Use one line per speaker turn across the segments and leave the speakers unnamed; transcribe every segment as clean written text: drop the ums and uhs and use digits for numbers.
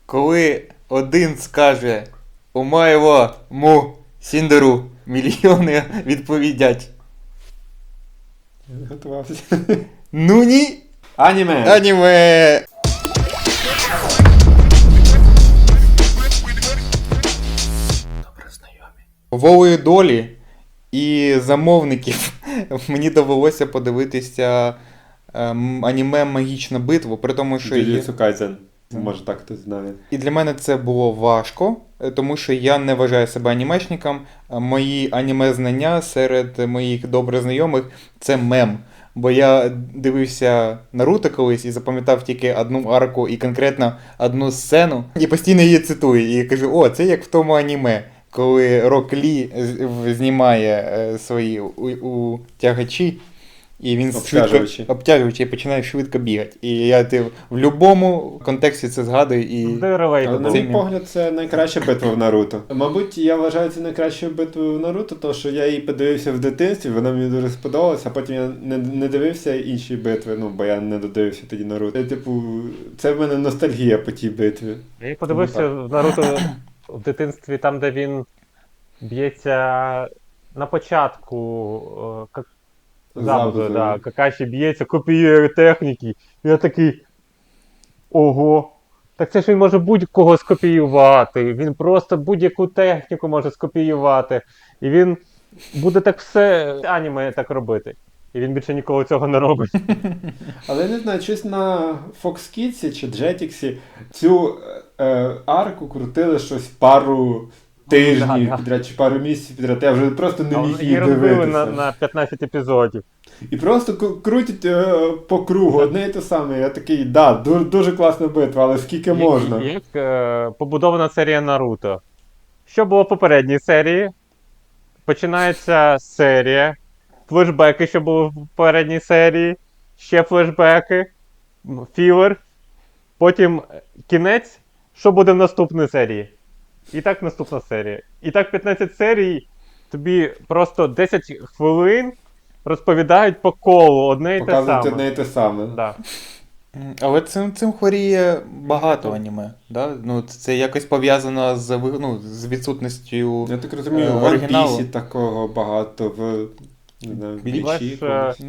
Коли один скаже «Омаєво му сіндеру», мільйони відповідять
Не готувався.
«Ну ні,
Аніме!
аніме!» Волею долі і замовників мені довелося подивитися аніме «Магічна битва», при тому, що
Джуджутсу Кайзен. Може так хтось знає.
І для мене це було важко, тому що я не вважаю себе анімешником. Мої аніме-знання серед моїх добре знайомих – це мем. Бо я дивився Наруто колись і запам'ятав тільки одну арку і конкретно одну сцену. І постійно її цитую. І кажу, о, це як в тому аніме, коли Рок Лі знімає свої утягачі. І він обтяжуючи і починає швидко бігати. І я в будь-якому контексті це згадую. І...
Але на мій погляд, це найкраща битва в Наруто. Мабуть, я вважаю це найкращою битвою в Наруто, тому що я її подивився в дитинстві, вона мені дуже сподобалася, а потім я не дивився інші битви, бо я не додивився тоді Наруто. Це в мене ностальгія по тій битві.
Я подивився в Наруто в дитинстві, там, де він б'ється на початку, Забуду, да. Какаші б'ється, копіює техніки. Я такий, ого, так це ж він може будь-кого скопіювати. Він просто будь-яку техніку може скопіювати. І він буде так все аніме так робити. І він більше ніколи цього не робить.
Але я не знаю, щось на Fox Kids чи Jetix цю арку крутили щось пару тижнів підряд, чи пару місяців підряд, я вже просто не міг її дивитися.
Її розбили на 15 епізодів.
І просто крутять по кругу, одне і те саме. Я такий, дуже класна битва, але скільки можна.
Як побудована серія Наруто. Що було в попередній серії? Починається серія, флешбеки, що були в попередній серії, ще флешбеки, філер, потім кінець, що буде в наступній серії. І так наступна серія. І так 15 серій, тобі просто 10 хвилин розповідають по колу одне і те саме.
Показують одне і те саме.
Да.
Але цим хворіє багато аніме. Да? Ну, це якось пов'язано з відсутністю
Я так розумію, в One Piece такого багато, в Блічі.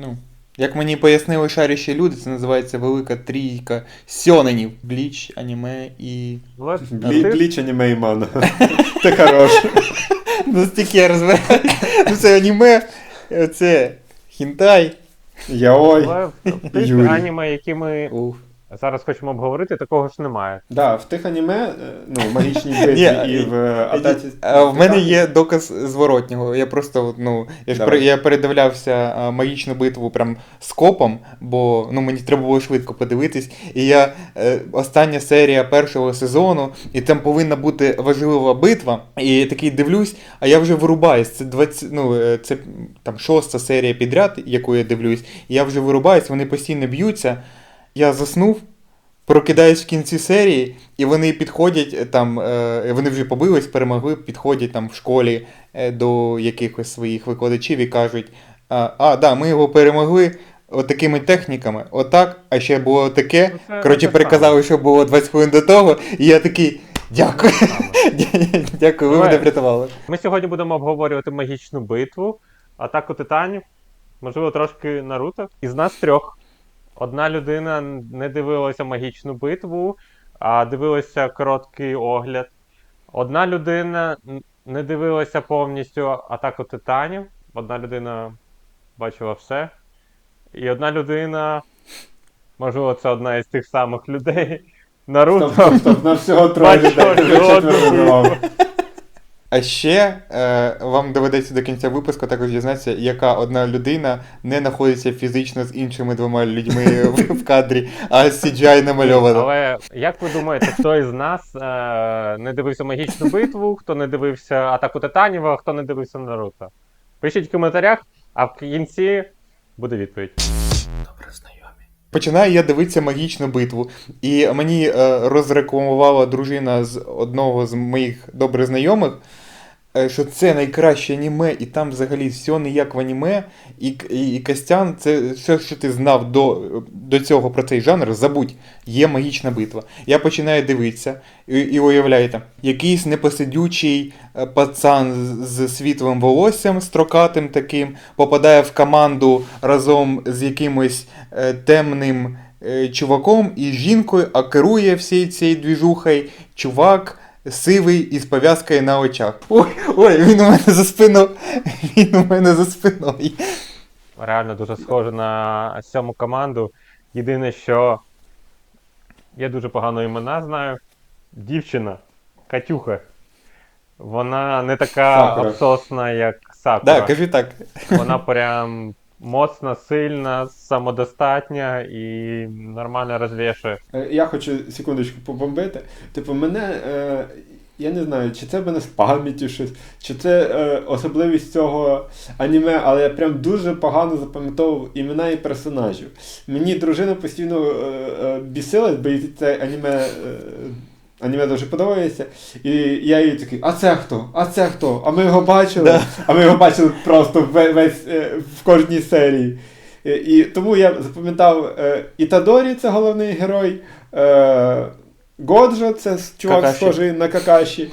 Як мені пояснили шаріші люди, це називається велика трійка сьоненів. Бліч, аніме і...
Бліч, аніме і манга. Це хороше.
Настільки я розбираю. Це аніме, це хінтай.
Яой.
Але в тих аніме, які ми зараз хочемо обговорити, такого ж немає.
Так, в тих аніме, магічній битві і в Атаці...
В мене є доказ зворотнього. Я просто, я передивлявся магічну битву прям скопом, бо мені треба було швидко подивитись. І остання серія першого сезону, і там повинна бути важлива битва. І такий дивлюсь, а я вже вирубаюсь. Це 20, там 6-та серія підряд, яку я дивлюсь. І я вже вирубаюсь, вони постійно б'ються. Я заснув, прокидаюсь в кінці серії, і вони підходять, вони вже побились, перемогли, підходять там в школі до якихось своїх викладачів і кажуть, ми його перемогли отакими техніками, отак, а ще було таке. Коротше, переказали, що було 20 хвилин до того, і я такий, дякую, дякую, ви мене врятували.
Ми сьогодні будемо обговорювати магічну битву, Атаку Титанів, можливо, трошки Наруто. Із нас трьох. Одна людина не дивилася магічну битву, а дивилася короткий огляд. Одна людина не дивилася повністю Атаку Титанів. Одна людина бачила все. І одна людина, можливо, це одна із тих самих людей, Наруто.
Стоп, на всього троє людей.
А ще вам доведеться до кінця випуску також дізнатися, яка одна людина не знаходиться фізично з іншими двома людьми в кадрі, а CGI намальовано.
Але як ви думаєте, хто із нас не дивився магічну битву, хто не дивився Атаку Титанів, а хто не дивився Наруто? Пишіть в коментарях, а в кінці буде відповідь.
Добре знайомі. Починаю я дивитися магічну битву, і мені розрекламувала дружина з одного з моїх добре знайомих. що це найкраще аніме, і там взагалі все не як в аніме, і Костян, це все, що ти знав до цього про цей жанр, забудь, є магічна битва. Я починаю дивитися, і уявляєте, якийсь непосидючий пацан з світлим волоссям, строкатим таким, попадає в команду разом з якимось темним чуваком і жінкою, а керує всією цією двіжухою чувак сивий із пов'язкою на очах. Ой, він у мене за спиною. Він у мене за спиною.
Реально дуже схоже на 7 команду. Єдине, що я дуже погано імена знаю. Дівчина, Катюха. Вона не така
Сакура.
обсосна, як Сакура.
Так, кажи так.
Вона прям моцна, сильна, самодостатня і нормально розвішує.
Я хочу секундочку побомбити. Типу, мене, я не знаю, чи це в мене з пам'яттю щось, чи це особливість цього аніме, але я прям дуже погано запам'ятовував імена і персонажів. Мені дружина постійно бісилась, бо їй це аніме дуже подобається. І я їй такий, а це хто? А це хто? А ми його бачили?
Да.
А ми його бачили просто в кожній серії. І тому я запам'ятав Ітадорі, це головний герой, Годжо, це чувак
Какаші.
схожий на Какаші.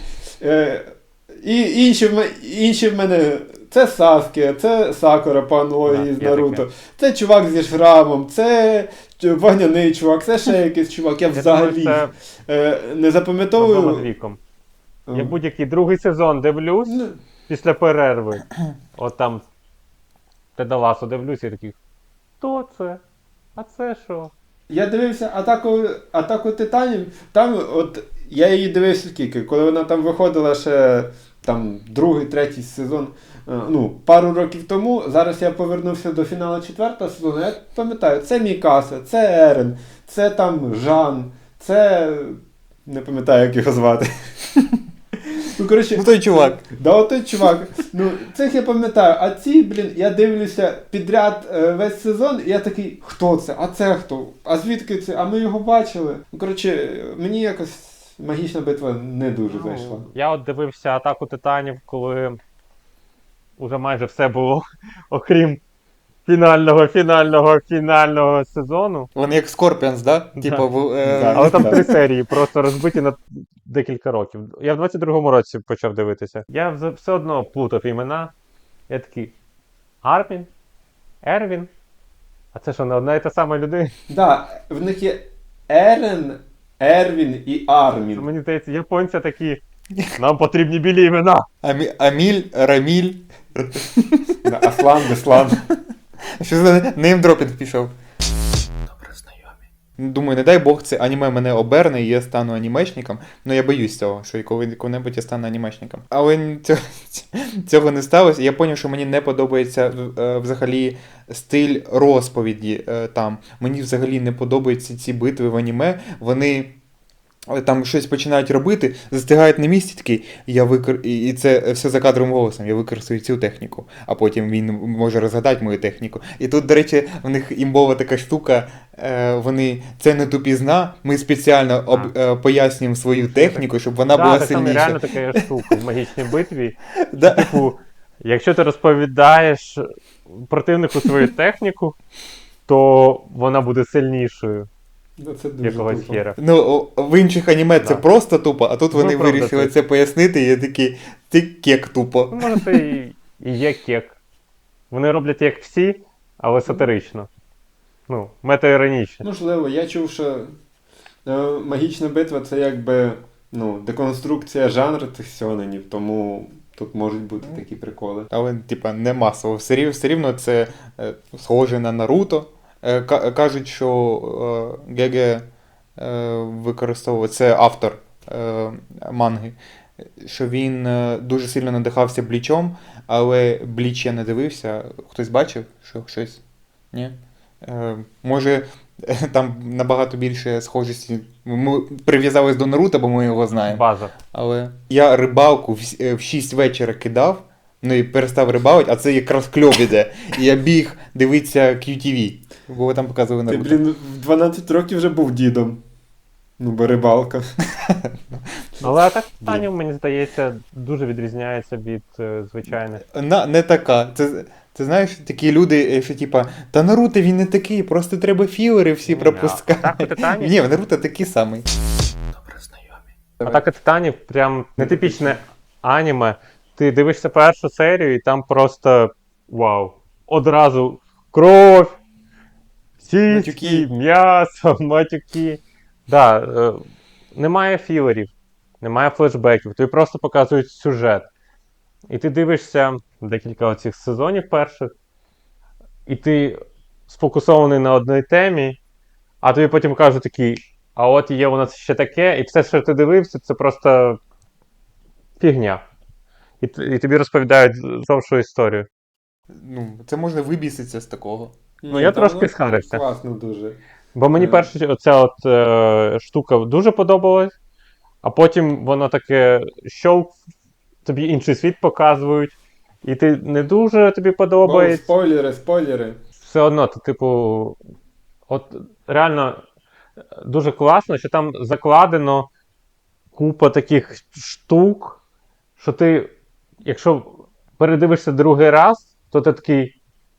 І інші в мене це Саске, це Сакура по аналогії з
є
Наруто,
таке.
це чувак зі шрамом, це вогняний чувак, це ще якийсь чувак. Я взагалі
думаю,
не запам'ятовую.
Над віком. Я будь-який другий сезон дивлюсь
Ну,
після перерви. От там Тедаласу дивлюсь і такий, хто це? А це що?
Я дивився атаку Титанів, там от я її дивився скільки, коли вона там виходила ще там другий, третій сезон, пару років тому. Зараз я повернувся до фіналу 4-го сезону. Я пам'ятаю, це Мікаса, це Ерен, це там Жан, це не пам'ятаю, як його звати. Ну, коротше,
Ну той чувак.
Да, отой чувак. Цих я пам'ятаю, а ці, я дивлюся підряд весь сезон, і я такий, хто це? А це хто? А звідки це? А ми його бачили. Ну, коротше, мені якось магічна битва не дуже зайшла.
Я от дивився Атаку Титанів, коли уже майже все було, окрім фінального сезону.
Вони як Скорпіонс, да?
Да.
Типа,
Да.
Але там
Так.
3 серії, просто розбиті на декілька років. Я в 22-му році почав дивитися. Я все одно плутав імена. Я такий, Армін? Ервін? А це що, не одна і та сама людина?
Да, в них є Ерен, Ервін і Армін.
Мені здається, японці такі, нам потрібні білі імена.
Аміль, Раміль.
Да, Аслан, Беслан.
Що за неймдропінг пішов? Добре знайомі. Думаю, не дай Бог, це аніме мене оберне і я стану анімешником. Ну я боюсь цього, що коли-небудь я стану анімешником. Але цього не сталося. Я зрозумів, що мені не подобається взагалі стиль розповіді там. Мені взагалі не подобаються ці битви в аніме. Вони там щось починають робити, застигають на місці такий, і це все за кадровим голосом, я використаю цю техніку, а потім він може розгадати мою техніку. І тут, до речі, в них імбова така штука, це не тупізна, ми спеціально пояснюємо свою техніку, щоб вона була
Так, там
сильніша.
реально така є штука в магічній битві.
Да.
Типу, якщо ти розповідаєш противнику свою техніку, то вона буде сильнішою.
Да, це дуже
Якогось
тупо.
хера.
Ну, в інших аніме це
Да.
просто тупо, а тут
Ну,
вони
правда,
вирішили
це-
це пояснити, і я такий, ти кек тупо.
Ну, може, це і є кек. Вони роблять як всі, але сатирично. Ну, метаіронічно.
Можливо, я чув, що магічна битва це якби деконструкція жанру цих сьоненів, тому тут можуть бути такі приколи.
Але, типа, не масово. Все рівно це схоже на Наруто. Кажуть, що Геге використовував, це автор манги, що він дуже сильно надихався Блічом, але Бліч я не дивився. Хтось бачив, що щось? Ні? Може, там набагато більше схожості. Ми прив'язались до Наруто, бо ми його знаємо.
База.
Але я рибалку в 6 вечора кидав, ну і перестав рибалити, а це якраз кльов іде. І я біг дивитися QTV, бо там показували
Ти,
Наруто.
в 12 років вже був дідом. Ну, бо рибалка.
Але Атака Титанів, мені здається, дуже відрізняється від звичайних.
Не така. Це знаєш, такі люди, що типа, та Наруто він не такий, просто треба філери всі
Ні,
пропускати.
Атака Титанів.
Ні, в Наруто такий самий.
Атака Титанів прям нетипічне аніме. Ти дивишся першу серію, і там просто вау. Одразу кров, сіськи,
Матюки.
м'ясо, матюки. Да, немає філерів, немає флешбеків, тобі просто показують сюжет. І ти дивишся декілька оцих сезонів перших, і ти сфокусований на одній темі, а тобі потім кажуть такий, а от є у нас ще таке, і все, що ти дивився, це просто фігня. І тобі розповідають зовшу історію.
Ну, це можна вибіситися з такого.
Ну, я
та
трошки
воно
схарився.
Класно дуже.
Бо мені перша оця штука дуже подобалась, а потім воно таке щолк, тобі інший світ показують, і ти не дуже тобі подобається.
Спойлери.
Все одно, ти, типу, от реально дуже класно, що там закладено купа таких штук, що ти, якщо передивишся другий раз, то ти такий.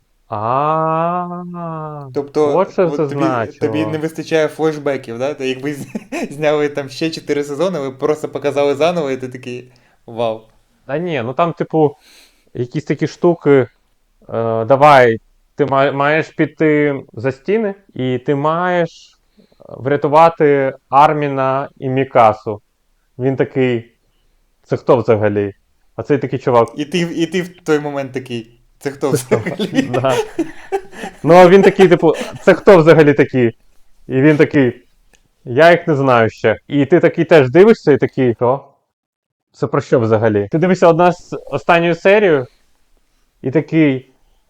Тобто,
От що
от
це
тобі,
значило.
тобі не вистачає флешбеків, да? Та якби зняли там ще 4 сезони, ви просто показали заново, і ти такий вау.
Та ні, ну там, типу, якісь такі штуки. Давай, ти маєш піти за стіни, і ти маєш врятувати Арміна і Мікасу. Він такий. Це хто взагалі? А цей такий чувак.
І ти в той момент такий. Це хто взагалі?
Да. Ну, а він такий, типу, це хто взагалі такі? І він такий. Я їх не знаю ще. І ти такий теж дивишся і такий. Що? Це про що взагалі? Ти дивишся останню серію, і такий.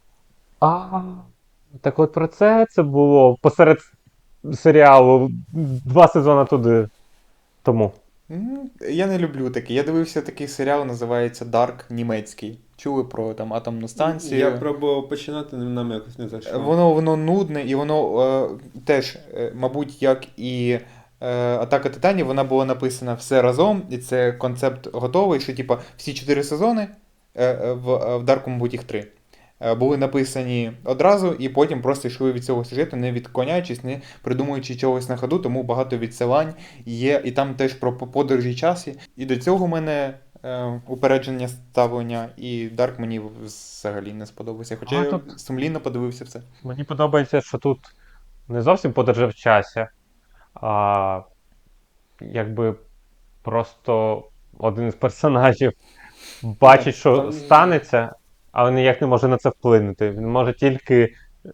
Так от про це було посеред серіалу 2 сезони туди тому.
Я не люблю таке. Я дивився такий серіал, називається Dark, німецький. Чули про там атомну станцію.
Я пробував починати, але нам якось не зайшло.
Воно нудне, і воно теж, мабуть, як і Атака Титанів, вона була написана все разом, і це концепт готовий, що типа всі 4 сезони, в Дарку, мабуть, їх 3, були написані одразу, і потім просто йшли від цього сюжету, не відклоняючись, не придумуючи чогось на ходу, тому багато відсилань є, і там теж про подорожі часі. І до цього в мене упередження ставлення, і Дарк мені взагалі не сподобався. Хоча я сумлінно подивився все.
Мені подобається, що тут не зовсім подорожа в часі, а якби просто один із персонажів бачить, що станеться, але ніяк не може на це вплинути. Він може тільки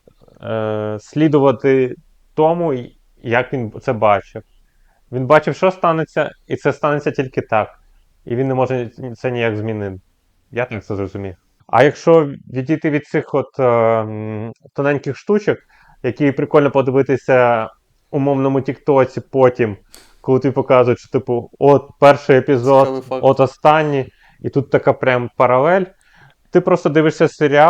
слідувати тому, як він це бачив. Він бачив, що станеться, і це станеться тільки так. І він не може це ніяк змінити. Я так це зрозумів. А якщо відійти від цих от тоненьких штучок, які прикольно подивитися умовному тіктоці потім, коли тобі показують, що типу, от перший епізод, от останній, і тут така прям паралель. Ти просто дивишся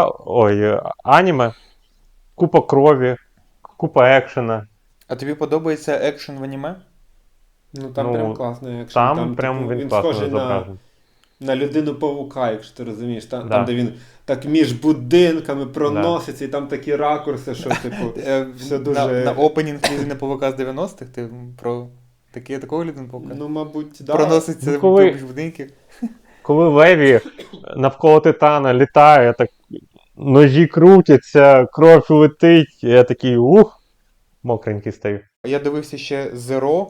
аніме, купа крові, купа екшена.
А тобі подобається екшен в аніме?
Ну там прям класний екшен.
Там прям
типу,
він класно зображений.
На людину-павука, якщо ти розумієш. Там, де він так між будинками проноситься, і там такі ракурси, що типу все дуже...
На опенінг людини павука з 90-х? Ти про такого людину павука?
Ну, мабуть, да.
Проноситься між будинків?
Коли Леві навколо Титана літає, так ножі крутяться, кров летить, і я такий мокренький стаю.
Я дивився ще Zero,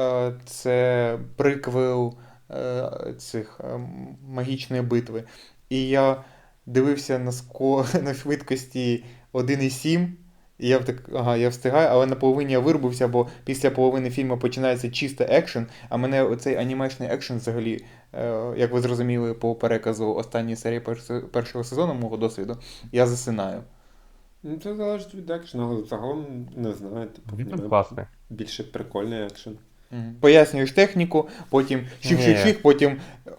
це приквел цих магічної битви. І я дивився на швидкості 1,7, і я так, я встигаю, але на половині я вирубився, бо після половини фільму починається чисто екшен, а мене оцей анімешний екшен взагалі, як ви зрозуміли по переказу останньої серії першого сезону мого досвіду, я засинаю.
Ну, це залежить від екшену, але загалом не знаю.
Він класний.
Більше прикольний екшен.
Пояснюєш техніку, потім ших-ших-ших, потім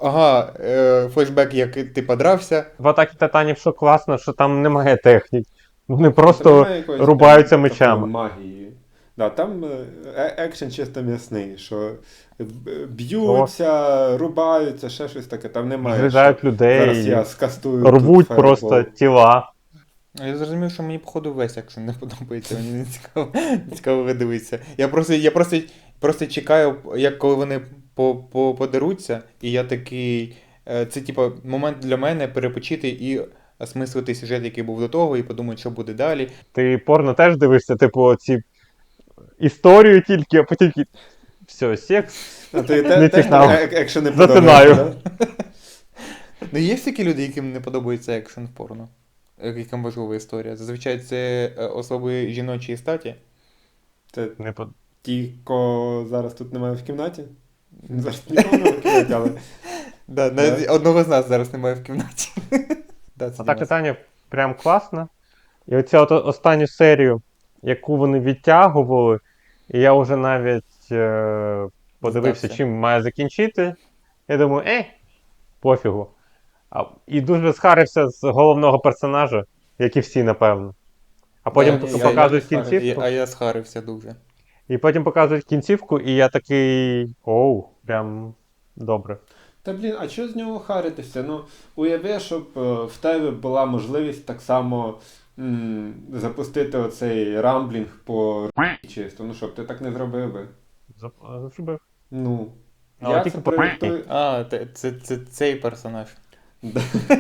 флешбек, як ти подрався.
В Атакі Титанів що класно, що там немає технік. Вони просто рубаються мечами.
Магії. Да, там екшен чисто м'ясний, що б'ються, рубаються, ще щось таке, там немає.
Зрізають
що
людей,
Зараз я скастую
рвуть
тут
просто
фаєрбол.
тіла.
Я зрозумів, що мені, походу, весь екшен не подобається, мені не цікаво дивитися. Я просто чекаю, як коли вони подеруться, і я такий. Це, типа, момент для мене перепочити і осмислити сюжет, який був до того, і подумати, що буде далі.
Ти порно теж дивишся, типу, ці історію тільки, а потім все, секс.
А ти
Не
теж
цікаво.
екшен не
Затинаю.
подобається, да?
Ну, є такі люди, яким не подобається екшен в порно, яким важлива історія. Зазвичай це особи жіночої статі.
Це
Не под...
ті, кого зараз тут немає в кімнаті? Зараз нікого немає в кімнаті, але...
Да, навіть одного з нас зараз немає в кімнаті. Да, це
А так
Дімас.
питання прям класно. І оця от останню серію, яку вони відтягували, і я вже навіть подивився,
Здався.
чим має закінчити. Я думаю, пофігу. І дуже схарився з головного персонажа, як і всі, напевно. А потім
Да,
показують
я-
кінцівку.
А я схарився дуже.
І потім показують кінцівку, і я такий. Прям добре.
Та блін, а що з нього харитися? Ну, уяви, щоб в тебе була можливість так само запустити оцей рамблінг по чисто. Ну, щоб ти так не зробив би.
Зробив.
Ну,
Але
я
тільки
це
по
проєктую.
А, це цей персонаж.
Да.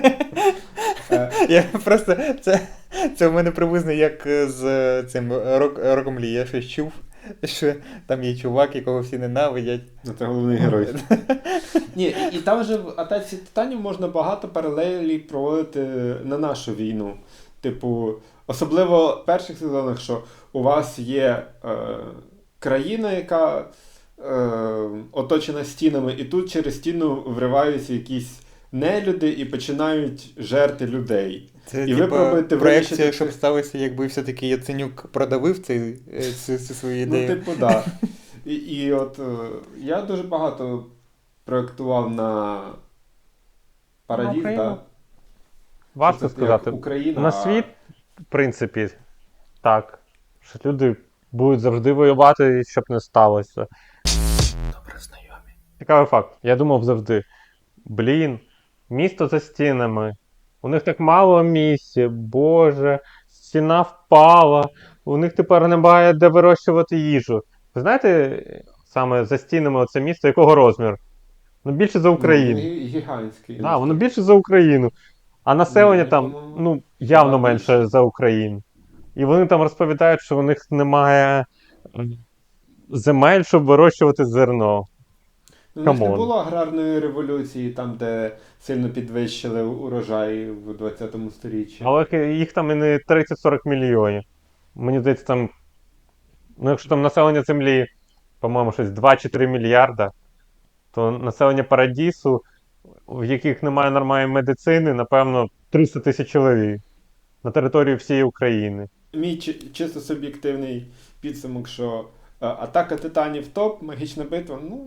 Я просто. Це в мене приблизно як з цим Роком Лі. Я щось чув, що там є чувак, якого всі ненавидять.
Ну, це головний герой. Ні, і там же в Атаці Титанів можна багато паралелей проводити на нашу війну. Типу, особливо в перших сезонах, що у вас є країна, яка оточена стінами, і тут через стіну вриваються якісь нелюди і починають жерти людей.
Це
І ви пробуєте
проекція,
вирішити
щоб
це.
сталося, якби все-таки Яценюк продавив цю свою ідею.
Ну, типу, да. І от я дуже багато проєктував на Парадіз,
Україну.
так.
Важко
Що це
сказати.
як Україна,
На світ, в принципі, так. Що люди будуть завжди воювати, щоб не сталося.
Добре знайомі.
Цікавий факт. Я думав завжди: блін, місто за стінами. У них так мало місця, боже, стіна впала, у них тепер немає де вирощувати їжу. Ви знаєте, саме за стінами оце місто, якого розмір? Ну, більше за Україну.
Гігантський.
Так, воно більше за Україну. А населення
Ну,
там,
по-моєму,
явно
да,
менше
більше.
за Україну. І вони там розповідають, що у них немає земель, щоб вирощувати зерно.
Ну, у них не
камон.
було аграрної революції, там, де сильно підвищили урожай в 20 сторіччі.
Але їх там і не 30-40 мільйонів. Мені здається, там, ну якщо там населення землі, по-моєму, щось 2 чи 3 мільярда, то населення Парадісу, в яких немає нормальної медицини, напевно, 300 тисяч чоловік на території всієї України.
Мій чисто суб'єктивний підсумок, що Атака Титанів топ, магічна битва, ну.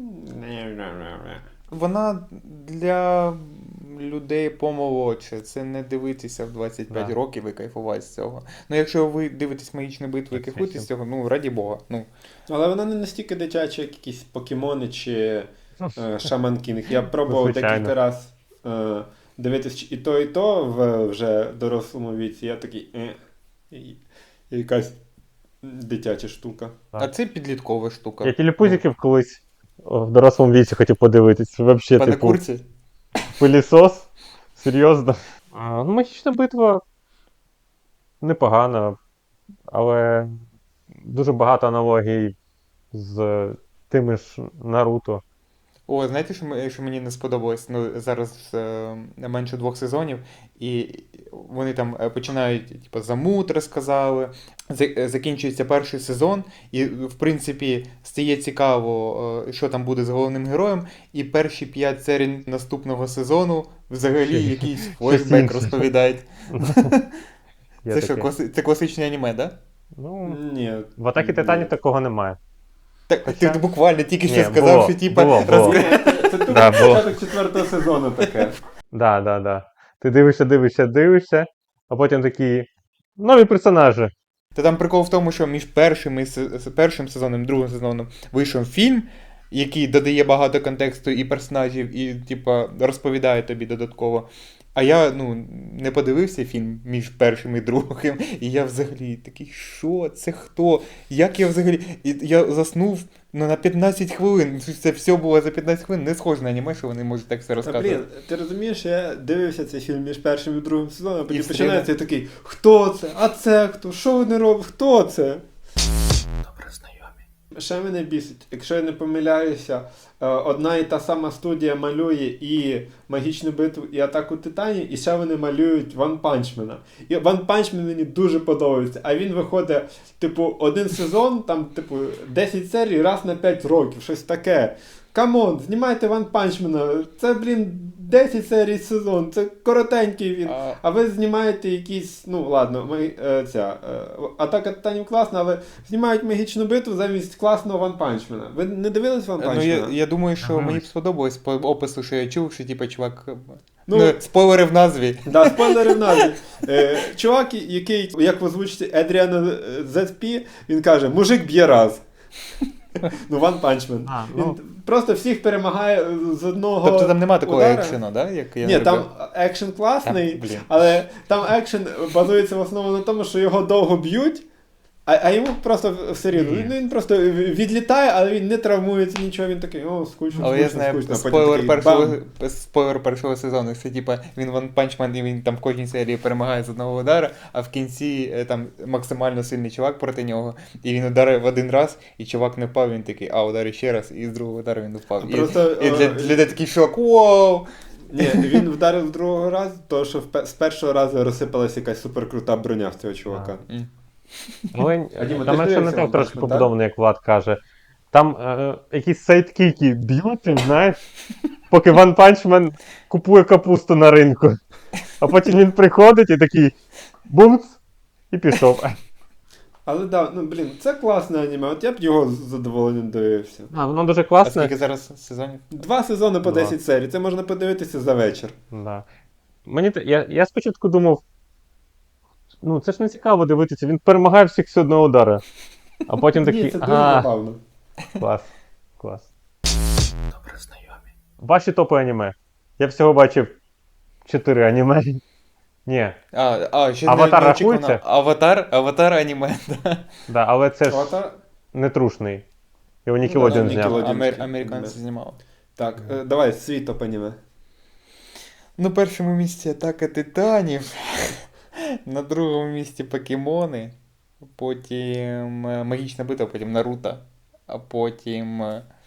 Вона для людей помолодше. Це не дивитися в 25
Да.
років і кайфувати з цього. Ну, якщо ви дивитесь магічну битву і
Так,
кайфуєте з цього, ну, раді Бога. Ну,
Але вона не настільки дитяча, як якісь покемони чи Шаман Кінг. Я пробував
Звичайно.
декілька раз дивитись і то в вже дорослому віці. Я такий. І якась дитяча штука.
а це підліткова штука.
Я телепузиків колись в дорослому віці хотів подивитись. Вообще,
Пане
типу,
Курці?
пилісос? Серйозно? Ну, магічна битва непогана, але дуже багато аналогій з тими ж Наруто.
О, знаєте, що мені не сподобалось? Ну, зараз менше 2 сезонів, і вони там починають, типу, замут розказали, закінчується перший сезон, і, в принципі, стає цікаво, що там буде з головним героєм, і перші 5 серій наступного сезону взагалі якийсь флешбек
інше.
розповідають.
Є
Це що,
таке.
це класичне аніме, так? Да?
Ну,
Ні.
в Атакі Титанів такого немає.
Так,
Хоча-
ти буквально тільки що
Ні,
сказав,
було,
що типа
було.
Це тупо
Да, було.
початок 4-го сезону таке.
Да. Ти дивишся, а потім такі нові персонажі.
Та там прикол в тому, що між першим сезоном і другим сезоном вийшов фільм, який додає багато контексту і персонажів, і, типа, розповідає тобі додатково. А я, не подивився фільм між першим і другим, і я взагалі такий, що? Це хто? Як я взагалі? І я заснув на 15 хвилин. Це все було за 15 хвилин. Не схоже на аніме, що вони можуть так все
Та,
розказувати.
ти розумієш, я дивився цей фільм між першим і другим сезоном, а потім
І
починається і такий, хто це? А це хто? Що вони роблять? Хто це?
Добре знайомі.
Ще мене бісить, якщо я не помиляюся, одна і та сама студія малює і Магічну битву, і Атаку Титанів, і ще вони малюють One Punch Man. І One Punch Man мені дуже подобається, а він виходить, один сезон, там, 10 серій раз на 5 років, щось таке. Камон, знімайте One Punch Man, це, 10 серій сезон, це коротенький він. А ви знімаєте якісь, Атака Титанів класна, але знімають Магічну битву замість класного One Punch Man. Ви не дивились One Punch Man?
Я думаю, що
Ага.
мені б сподобалось по опису, що я чув, що чувак.
Ну,
спойлери в назві.
Да, спойлери в назві. Чувак, який, як в озвучці Едріана ZP, він каже, мужик б'є раз. One Punch Man. Він просто всіх перемагає з одного
Тобто там нема такого
удара.
екшену, да? Як я
Ні,
зробив?
там екшен класний,
Там, блін.
але там екшен базується в основному на тому, що його довго б'ють, а йому просто все рівно.
Ні.
Він просто відлітає, але він не травмується нічого, він такий, скучно,
Але я знаю
скучно.
спойлер першого сезону. Це він One Punch Man, і він там в кожній серії перемагає з одного удара, а в кінці там максимально сильний чувак проти нього, і він ударив один раз, і чувак не впав, він такий, ударив ще раз, і з другого удару він впав.
Просто,
і для людей такий шок, вау!
Ні, він вдарив з другого разу, тому що з першого разу розсипалася якась суперкрута броня в цього чувака.
Але
Діма,
там
ти ж
ще не
дивився
так
One
трошки
Punch Man,
побудований, як Влад каже. Там якісь сайдкіки б'ють, знаєш, поки One Punch Man купує капусту на ринку. А потім він приходить і такий бумц, і пішов.
Але да, це класне аніме, от я б його з задоволенням дивився.
Воно дуже
А
класне.
скільки зараз сезонів?
2 сезони по
Да.
10 серій, це можна подивитися за вечір.
Да. Я спочатку думав, це ж не цікаво дивитися, він перемагає всіх з одного удара. А потім
Ні,
такий,
це дуже забавно.
клас.
Добре знайомі.
Ваші топи аніме. Я всього бачив 4 аніме. Ні,
Ще
Аватар
неочікувано.
рахується?
Аватар аніме, да.
да, але це ж
Аватар?
не трушний. Його
да,
Нікелодіон зняв.
Nickelodeon.
Американці знімали.
Так, давай, свій топ аніме.
На першому місці Атака Титанів, на другому місці Покемони, потім Магічна битва, потім Наруто, а потім.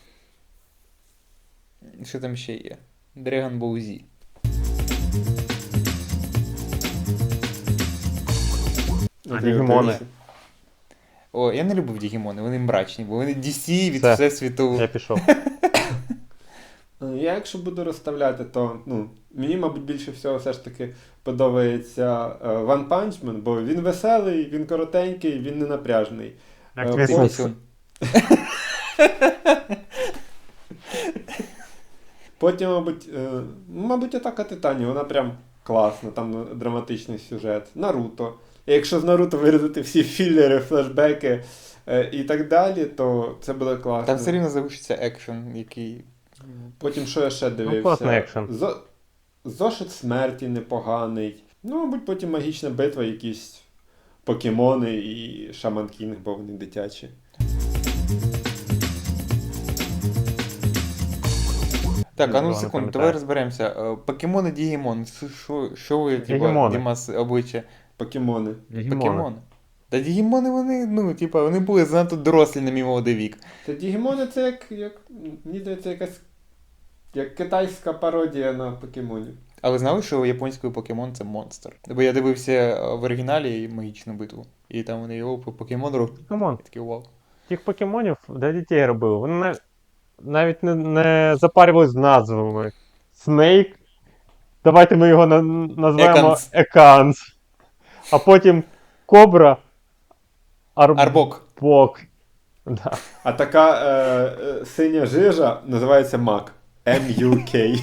Що там ще є? Dragon Ball Z.
Дігімони.
О, я не любив Дігімони, вони мрачні, бо вони DC від
Все.
Всесвіту.
Я пішов.
Я якщо буду розставляти, то мені, мабуть, більше всього все ж таки подобається One Punch Man, бо він веселий, він коротенький, він не напряжний.
Як
Е,
твій
потім-
сенс?
Потім, мабуть, Атака Титанів, вона прям класна, там драматичний сюжет. Наруто. І якщо з Наруто вирізати всі філери, флешбеки і так далі, то це буде класно.
Там все рівно залишиться екшен, який.
Потім що я ще дивився?
класний екшен.
Зошит смерті непоганий. Мабуть, потім Магічна битва, якісь покемони і Шаман Кінг, бо вони дитячі.
Так,
Нічого не
секунду,
пам'ятаю.
давай розберемося. Покемони, Дігімон. Що ви,
Дігімони.
Дімас, обличчя?
Покемони.
Покемони. Та Дігімони, вони були занадто дорослі на мій молодий вік.
Та Дігімони це мені здається, якась як китайська пародія на покемонів.
А ви знали, що японською покемон це монстр? Бо я дивився в оригіналі Магічну битву. І там вони його по покемону.
Камон,
Я такий вау.
тих покемонів для дітей робили. Вони навіть не запарювались з назвами. Снейк. Давайте ми його назвемо
Еканс.
Еканс. А потім Кобра.
Арбок.
Арбок. Да.
А така синя жижа називається Мак. M-U-K.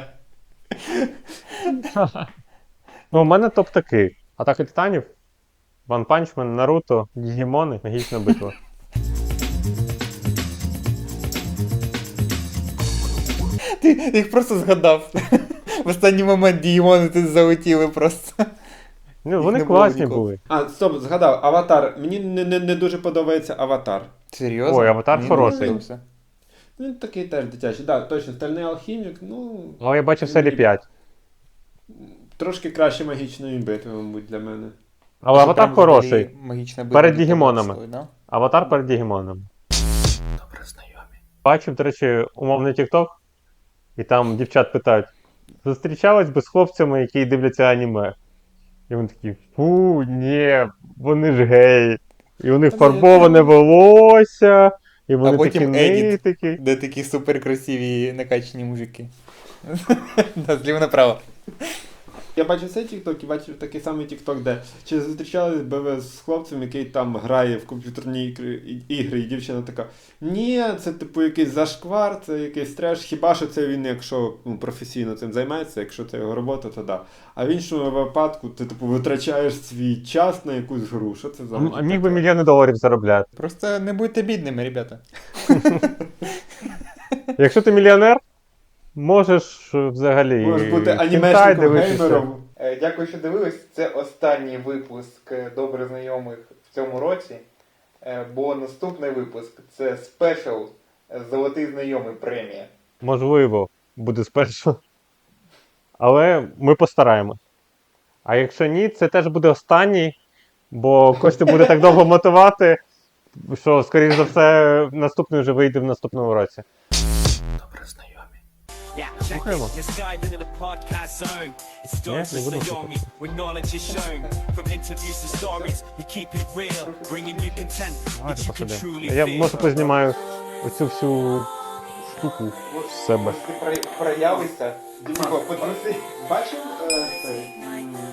У мене топ такий. Атака Титанів. One Punch Man, Наруто, Дігімони, магічна битва.
Ти їх просто згадав. В останній момент Дігімони тут залетіли просто.
Ну,
Їх
вони
не було
класні
ніколи.
були.
А, стоп, згадав, Аватар. Мені не дуже подобається Аватар.
Серйозно?
Ой, Аватар
Мені
хороший.
подобався.
Він такий теж дитячий. Так, точно, Стальний алхімік, ну.
Але я бачив серії 5.
Трошки краще магічної битви, мабуть, для мене.
Але
Це
Аватар
прям
хороший.
взагалі магічна битва
Перед
для того
Дігімонами.
стоїть, да?
Аватар перед Дігімоном.
Добре знайомі.
Бачив, до речі, умовний TikTok, і там дівчат питають: зустрічались би з хлопцями, які дивляться аніме. І вони такі, фу, ні, вони ж геї. І у них фарбоване волосся, і вони такі
потім едіт.
нитики.
Де такі суперкрасиві накачані мужики. Да, зліва направо.
Я бачив цей TikTok і бачив такий самий TikTok, де чи зустрічались би ви з хлопцем, який там грає в комп'ютерні ігри, і дівчина така: ні, це типу якийсь зашквар, це якийсь треш, хіба що це він, якщо професійно цим займається, якщо це його робота, то да. А в іншому випадку ти типу витрачаєш свій час на якусь гру. Що це за
А міг би мільйони доларів заробляти.
Просто не будьте бідними, ребята.
Якщо ти мільйонер, можеш взагалі.
Можеш бути
хентай
анімешником,
дивитися.
геймером.
Дякую, що дивились. Це останній випуск добре знайомих в цьому році. Бо наступний випуск це спешл Золотий знайомий премія.
Можливо, буде спершу. Але ми постараємось. А якщо ні, це теж буде останній, бо Костя буде так довго мотивувати, що, скоріш за все, наступний вже вийде в наступному році.
Добре знайомі.
Yeah, check
Слухаємо.
this. You're skived into the podcast zone. It's
Yeah,
Doris
не буду
Naomi, where knowledge is shown. From interviews to stories, we keep it real, bringing you content that you can truly
Я
feel.
може познімаю оцю всю штуку з себе.
Ти проявишся.
Діма, бачив цей